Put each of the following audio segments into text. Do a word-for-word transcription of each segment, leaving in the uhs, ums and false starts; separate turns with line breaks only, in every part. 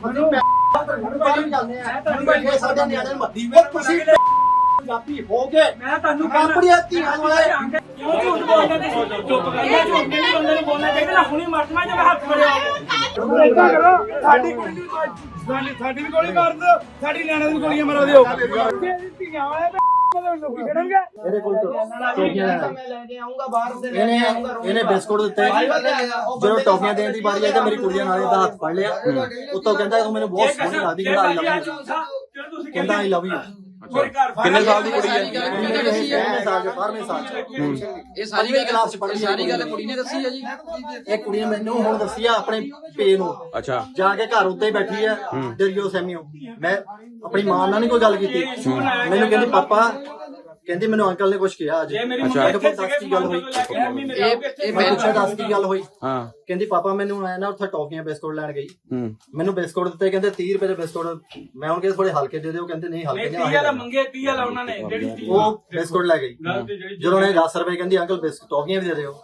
ਪੰਜਾਬੀ ਹੋ ਗਏ ਮੈਂ ਤੁਹਾਨੂੰ ਆਪਣੀਆਂ ਧੀਆਂ ਵਾਲੇ ਕਿਉਂ ਝੂਠ ਬੋਲਦੇ ਤੁਸੀਂ ਚੁੱਪ ਕਰਕੇ ਝੂਠ ਨਹੀਂ ਬੰਦੇ ਨੂੰ ਬੋਲਣਾ ਚਾਹੀਦਾ ਨਾ ਹੁਣੀ ਮਰ ਜਾਣਾ ਜੇ ਹੱਥ ਫੜਿਆ ਇਦਾਂ ਕਰੋ ਸਾਡੀ ਕੁੜੀ ਨੂੰ ਸਾਡੀ ਸਾਡੀ ਵੀ ਗੋਲੀ ਮਾਰ ਦਿਓ ਸਾਡੀ ਨਿਆਣਿਆਂ ਦੀ ਗੋਲੀਆਂ ਮਾਰ ਦਿਓ ਧੀਆਂ ਵਾਲੇ ਲੋਕੀ ਖੜਨਗੇ
ਇਹਦੇ ਕੋਲ ਟੋਪੀਆਂ
ਮੈਂ ਲੈ ਕੇ ਆਉਂਗਾ ਬਾਹਰ ਦੇ
ਇਹਨੇ ਇਹਨੇ ਬਿਸਕੁਟ ਦਿੱਤੇ ਜਦੋਂ ਟੋਪੀਆਂ ਦੇਣ ਦੀ ਵਾਰੀ ਆਈ ਤਾਂ ਮੇਰੀ ਕੁੜੀਆਂ ਨਾਲ ਇਹਦਾ ਹੱਥ ਫੜ ਲਿਆ ਉੱਤੋਂ ਕਹਿੰਦਾ ਤੂੰ ਮੈਨੂੰ ਬਹੁਤ ਸੋਹਣੀ ਲੱਗਦੀ ਕਹਿੰਦਾ ਆਈ ਲਵ ਯੂ ਕਹਿੰਦਾ ਆਈ ਲਵ ਯੂ
ਕਿੰਨੇ ਸਾਲ ਦੀ ਕੁੜੀ ਹੈ
ਪਹਿਲੇ ਸਾਲ ਦੇ ਬਾਰਵੇਂ ਸਾਲ ਚ
ਇਹ ਸਾਰੀ ਗੱਲ ਕਲਾਸ ਚ ਪੜ੍ਹਦੀ ਸਾਰੀ ਗੱਲ ਕੁੜੀ ਨੇ ਦੱਸੀ ਹੈ ਜੀ
ਇਹ ਕੁੜੀ ਨੇ ਮੈਨੂੰ ਹੁਣ ਦੱਸੀ ਆ ਆਪਣੇ ਪੇ ਨੂੰ
ਅੱਛਾ
ਜਾ ਕੇ ਘਰ ਉੱਤੇ ਹੀ ਬੈਠੀ ਆ ਡਰਿਓ ਸੈਮੀਓ ਮੈਂ ਆਪਣੀ ਮਾਂ ਨਾਲ ਨਹੀਂ ਕੋਈ ਗੱਲ ਕੀਤੀ ਮੈਨੂੰ ਕਹਿੰਦੀ ਪਾਪਾ ਕਹਿੰਦੀ ਮੈਨੂੰ ਅੰਕਲ ਨੇ ਕੁਝ ਕਿਹਾ ਅੱਜ
ਅੱਛਾ
ਦੱਸ ਕੀ ਗੱਲ ਹੋਈ
ਇਹ
ਮੈਂ ਪੁੱਛਿਆ ਦੱਸ ਕੀ ਗੱਲ ਹੋਈ
ਹਾਂ
ਕਹਿੰਦੀ ਪਾਪਾ ਮੈਨੂੰ ਆਇਆ ਨਾ ਉੱਥੇ ਟੌਫੀਆਂ ਬਿਸਕੁਟ ਲੈਣ ਗਈ ਮੈਨੂੰ ਬਿਸਕੁਟ ਦਿੱਤੇ ਕਹਿੰਦੇ ਤੀਹ ਰੁਪਏ ਦੇ ਬਿਸਕੁਟ ਮੈਂ ਹੁਣ ਕਿਹਾ ਥੋੜੇ ਹਲਕੇ ਦੇ ਦਿਓ ਕਹਿੰਦੇ ਨਹੀਂ ਹਲਕੇ ਨਹੀਂ
ਤੀਹ ਵਾਲਾ ਮੰਗੇ ਤੀਹ ਵਾਲਾ ਉਹਨਾਂ ਨੇ ਜਿਹੜੀ
ਉਹ ਬਿਸਕੁਟ ਲੈ ਗਈ ਜਦੋਂ ਉਹਨੇ ਦਸ ਰੁਪਏ ਕਹਿੰਦੀ ਅੰਕਲ ਬਿਸਕੁਟ ਟੌਫੀਆਂ ਵੀ ਦੇ ਦਿਓ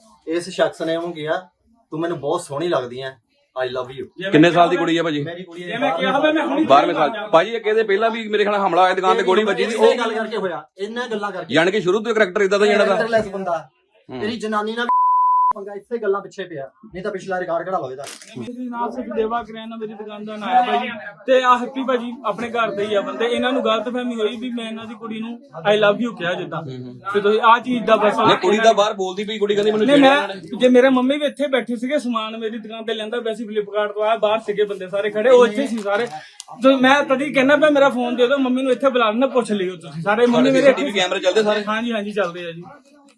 ਇਸ ਸ਼ਖਸ ਨੇ ਉਹਨੂੰ ਕਿਹਾ ਤੂੰ ਮੈਨੂੰ ਬਹੁਤ ਸੋਹਣੀ ਲੱਗਦੀ ਐ ਆਈ ਲਵ ਯੂ
ਕਿੰਨੇ ਸਾਲ ਦੀ ਕੁੜੀ ਹੈ ਭਾਜੀ
ਮੇਰੀ ਕੁੜੀ
ਜੇ ਮੈਂ ਕਿਹਾ ਹੋਵੇ ਮੈਂ ਹੁਣੀ
ਬਾਰਵੇਂ ਸਾਲ ਭਾਜੀ ਇਹ ਕਹਿੰਦੇ ਪਹਿਲਾਂ ਵੀ ਮੇਰੇ ਖਿਆਲ ਹਮਲਾ ਹੋਇਆ ਦੁਕਾਨ ਤੇ ਗੋਲੀ ਵੱਜੀ ਦੀ
ਉਹ ਗੱਲ ਕਰਕੇ ਹੋਇਆ ਇਹਨਾਂ ਗੱਲਾਂ ਕਰਕੇ
ਯਾਨੀ ਕਿ ਸ਼ੁਰੂ ਤੋਂ ਕਰੈਕਟਰ ਇਦਾਂ ਦਾ ਜਿਹੜਾ ਦਾ
ਕੈਰੈਕਟਰਲੈਸ ਬੰਦਾ ਤੇਰੀ ਜਨਾਨੀ ਨਾਲ ਪੰਗਾ ਇਸੇ ਗੱਲਾਂ ਪਿੱਛੇ ਪਿਆ ਨਹੀਂ ਤਾਂ ਪਿਛਲਾ ਰਿਕਾਰਡ ਕਢਾ ਲਓ ਇਹਦਾ
ਮੇਰੀ ਨਾਮ ਸਿਰਫ ਦੇਵਾ ਕਰਿਆਨਾ ਮੇਰੀ ਦੁਕਾਨ ਦਾ ਨਾਮ ਹੈ ਭਾਜੀ ਤੇ ਆ ਹੈਪੀ ਭਾਜੀ ਆਪਣੇ ਘਰ ਦੇ ਹੀ ਆ ਬੰਦੇ ਇਹਨਾਂ ਨੂੰ ਗਲਤਫਹਿਮੀ ਹੋਈ ਵੀ ਮੈਂ ਇਹਨਾਂ ਦੀ ਕੁੜੀ ਨੂੰ ਆਈ ਲਵ ਯੂ ਕਿਹਾ ਜਿੱਦਾਂ ਤੇ ਤੁਸੀਂ ਆ ਚੀਜ਼ ਦਾ ਬਸ
ਨਹੀਂ ਕੁੜੀ ਦਾ ਬਾਹਰ ਬੋਲਦੀ ਪਈ ਕੁੜੀ ਕਹਿੰਦੀ ਮੈਨੂੰ
ਨਹੀਂ
ਛੇੜਿਆ
ਮੈਂ ਜੇ ਮੇਰੇ ਮੰਮੀ ਵੀ ਇੱਥੇ ਬੈਠੇ ਸੀਗੇ ਸਮਾਨ ਮੇਰੀ ਦੁਕਾਨ ਤੇ ਲੈਂਦਾ ਵੈਸੇ ਫਲਿੱਪਕਾਰਟ ਤੋਂ ਆਇਆ ਬਾਹਰ ਸੀਗੇ ਬੰਦੇ ਸਾਰੇ ਖੜੇ ਉਹ ਇੱਥੇ ਸੀ ਸਾਰੇ ਤੇ ਮੈਂ ਤਦੀ ਕਹਿੰਦਾ ਪਿਆ ਮੇਰਾ ਫੋਨ ਦੇ ਦਿਓ ਮੰਮੀ ਨੂੰ ਇੱਥੇ ਬੁਲਾ ਲੈਣਾ ਪੁੱਛ ਲਿਓ ਤੁਸੀਂ ਸਾਰੇ ਮੰਮੀ ਮੇਰੇ
ਟੀਵੀ ਕੈਮਰੇ ਚੱਲਦੇ ਸਾਰੇ
ਹਾਂਜੀ ਹਾਂਜੀ ਚੱਲਦੇ ਆ ਜੀ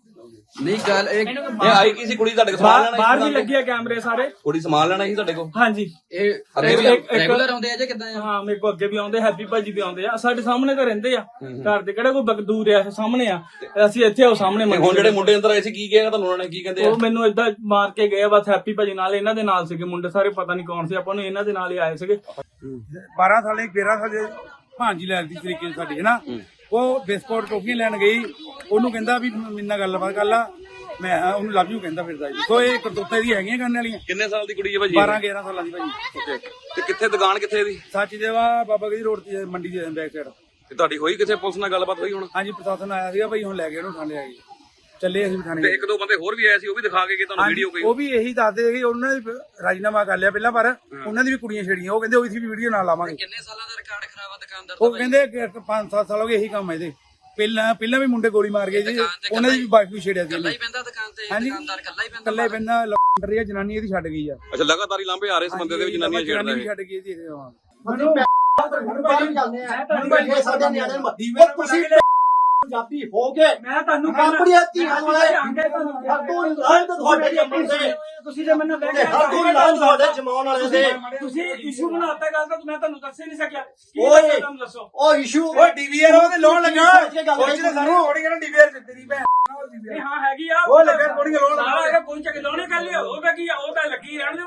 ਨਹੀਂ ਗੱਲ ਇਹ
ਇਹ ਆਈ ਕੀ ਸੀ ਕੁੜੀ ਤੁਹਾਡੇ ਕੋਲ ਸਮਾਨ ਲੈਣਾ
ਬਾਹਰ ਵੀ ਲੱਗੇ ਆ ਕੈਮਰੇ ਸਾਰੇ
ਕੁੜੀ ਸਮਾਨ ਲੈਣਾ ਸੀ ਤੁਹਾਡੇ ਕੋਲ
ਹਾਂਜੀ
ਇਹ ਰੈਗੂਲਰ ਆਉਂਦੇ ਆ ਜਾਂ ਕਿੱਦਾਂ ਆ
ਹਾਂ ਮੇਰੇ ਕੋ ਅੱਗੇ ਵੀ ਆਉਂਦੇ ਹੈਪੀ ਭਾਜੀ ਵੀ ਆਉਂਦੇ ਆ ਸਾਡੇ ਸਾਹਮਣੇ ਤਾਂ ਰਹਿੰਦੇ ਆ ਘਰ ਦੇ ਕਿਹੜਾ ਕੋਈ ਬਗਦੂਰ ਆ ਸਾਹਮਣੇ ਆ ਅਸੀਂ ਇੱਥੇ ਉਹ ਸਾਹਮਣੇ
ਹੁਣ ਜਿਹੜੇ ਮੁੰਡੇ ਅੰਦਰ ਆਏ ਸੀ ਕੀ ਕਿਹਾ ਤੁਹਾਨੂੰ ਉਹਨਾਂ ਨੇ ਕੀ ਕਹਿੰਦੇ ਆ
ਉਹ ਮੈਨੂੰ ਏਦਾਂ ਮਾਰ ਕੇ ਗਏ ਬਸ ਹੈਪੀ ਭਾਜੀ ਨਾਲ ਇਹਨਾਂ ਦੇ ਨਾਲ ਸੀਗੇ ਮੁੰਡੇ ਸਾਰੇ ਪਤਾ ਨਹੀਂ ਕੌਣ ਸੀ ਆਪਾਂ ਨੂੰ ਇਹਨਾਂ ਦੇ ਨਾਲ ਹੀ ਆਏ ਸੀਗੇ
ਬਾਰਾਂ ਸਾਲੇ ਤੇਰਾਂ ਸਾਲੇ ਭਾਂਜੀ ਲੈਣ ਦੀ ਤਰੀਕੇ ਸਾਡੀ ਹੈ ਨਾ ਉਹ ਬਿਸਕੁਟ ਟੋਫੀਆਂ ਲੈਣ ਗਈ ਉਹਨੂੰ ਕਹਿੰਦਾ ਵੀ ਮੇਰੇ ਨਾਲ ਗੱਲਬਾਤ ਕਰ ਲਾ ਮੈਂ ਉਹਨੂੰ ਲਵ ਯੂ ਕਹਿੰਦਾ ਫਿਰਦਾ ਜੀ ਸੋ ਇਹ ਕਰਤੂਤਾਂ ਦੀ ਹੈਗੀਆਂ ਕਰਨ ਵਾਲੀਆਂ
ਕਿੰਨੇ ਸਾਲ ਦੀ ਕੁੜੀ ਹੈ ਭਾਜੀ
ਬਾਰਾਂ ਗਿਆਰਾਂ ਸਾਲਾਂ ਦੀ ਭਾਜੀ
ਤੇ ਕਿੱਥੇ ਦੁਕਾਨ ਕਿੱਥੇ ਦੀ
ਸੱਚ ਦੇਵਾ ਬਾਬਾ ਗਦੀ ਰੋਡ ਤੇ ਮੰਡੀ ਦੇ ਬੈਕ ਸਾਈਡ
ਤੇ ਤੁਹਾਡੀ ਹੋਈ ਕਿਸੇ ਪੁਲਿਸ ਨਾਲ ਗੱਲਬਾਤ ਹੋਈ ਹੁਣ
ਹਾਂਜੀ ਪ੍ਰਸ਼ਾਸਨ ਆਇਆ ਸੀਗਾ ਭਾਈ ਹੁਣ ਲੈ ਕੇ ਉਹਨੂੰ ਥਾਣੇ ਆ ਗਏ ਚੱਲੇ ਅਸੀਂ ਥਾਣੇ
ਤੇ ਇੱਕ ਦੋ ਬੰਦੇ ਹੋਰ ਵੀ ਆਏ ਸੀ ਉਹ ਵੀ ਦਿਖਾ ਕੇ ਗਏ ਤੁਹਾਨੂੰ ਵੀਡੀਓ ਕੋਈ
ਉਹ ਵੀ ਇਹੀ ਦੱਸਦੇ ਕਿ ਉਹਨਾਂ ਨੇ ਰਾਜੀਨਾਮਾ ਕਰ ਲਿਆ ਪਹਿਲਾਂ ਪਰ ਉਹਨਾਂ ਦੀ ਵੀ ਕੁੜੀਆਂ ਛੇੜੀਆਂ ਉਹ ਕਹਿੰਦੇ ਉਹ ਵੀ ਵੀਡੀਓ ਨਾਲ ਲਾਵਾਂਗੇ
ਕਿੰਨੇ ਸਾਲਾਂ ਦਾ ਰਿਕਾਰਡ ਖਰਾਬ ਆ ਦੁਕਾਨਦਾਰ
ਉਹ ਕਹਿੰਦੇ ਪੰਜ ਸੱਤ ਸਾਲ ਹੋ ਗਏ ਇਹੀ ਕੰਮ ਹੈ ਇਹਦੇ ਪਹਿਲਾਂ ਪਹਿਲਾਂ ਵੀ ਮੁੰਡੇ ਗੋਲੀ ਮਾਰ ਗਏ ਜੀ ਉਹਨਾਂ ਦੀ ਵੀ ਬਾਈਕ ਵੀ ਛੇੜਿਆ ਸੀ
ਕੱਲਾ ਹੀ ਪੈਂਦਾ ਦੁਕਾਨ ਤੇ
ਹਾਂਜੀ
ਦੁਕਾਨਦਾਰ ਕੱਲਾ ਹੀ ਪੈਂਦਾ
ਕੱਲਾ ਹੀ ਪੈਂਦਾ ਲੰਡਰ ਰਹੀ ਜਨਾਨੀ ਇਹਦੀ ਛੱਡ ਗਈ ਆ
ਅੱਛਾ ਲਗਾਤਾਰ ਹੀ ਲਾਂਭੇ ਆ ਰਹੇ ਇਸ ਬੰਦੇ ਦੇ ਵਿੱਚ ਜਨਾਨੀਆਂ ਛੇੜਦਾ
ਵੀ
ਹੈ
ਛੱਡ ਗਈ ਜੀ
ਤੁਸੀਂ ਪੰਜਾਬੀ ਹੋ ਗਏ
ਮੈਂ ਤੁਹਾਨੂੰ
ਆਪਣੀਆਂ ਧੀਆਂ ਵਾਲੇ ਹਰ ਤੋਂ ਲਾਇਨ ਤੁਹਾਡੇ ਜੰਮਣ ਦੇ
ਤੁਸੀਂ ਜੇ ਮੈਨੂੰ ਲੈ ਕੇ
ਹਰ ਤੋਂ ਲਾਇਨ ਤੁਹਾਡੇ ਜਮਾਉਣ ਵਾਲੇ ਦੇ
ਤੁਸੀਂ ਇਸ਼ੂ ਬਣਾਤਾ ਗੱਲ ਤਾਂ ਮੈਂ ਤੁਹਾਨੂੰ ਦੱਸ ਹੀ ਨਹੀਂ ਸਕਿਆ
ਓਏ
ਤੁਹਾਨੂੰ ਦੱਸੋ
ਉਹ ਇਸ਼ੂ
ਓਏ ਡੀਵੀਆਰ ਉਹਦੇ ਲੋਨ ਲੱਗਾ ਕੁਝ ਨੇ ਸਾਨੂੰ ਥੋੜੀ ਕਹਿੰਦਾ ਡੀਵੀਆਰ ਦਿੱਤੀ ਭੈਣ
ਇਹ ਹਾਂ ਹੈਗੀ ਆ
ਉਹ ਲੱਗਾ ਥੋੜੀ ਲੋਨ
ਸਾਰਾ ਹੈਗਾ ਕੋਈ ਚੱਕ ਲੋਨੇ ਕਰ ਲਿਆ ਉਹ ਕੀ ਆ ਉਹ ਤਾਂ ਲੱਗੀ ਰਹਿਣ ਦਿਓ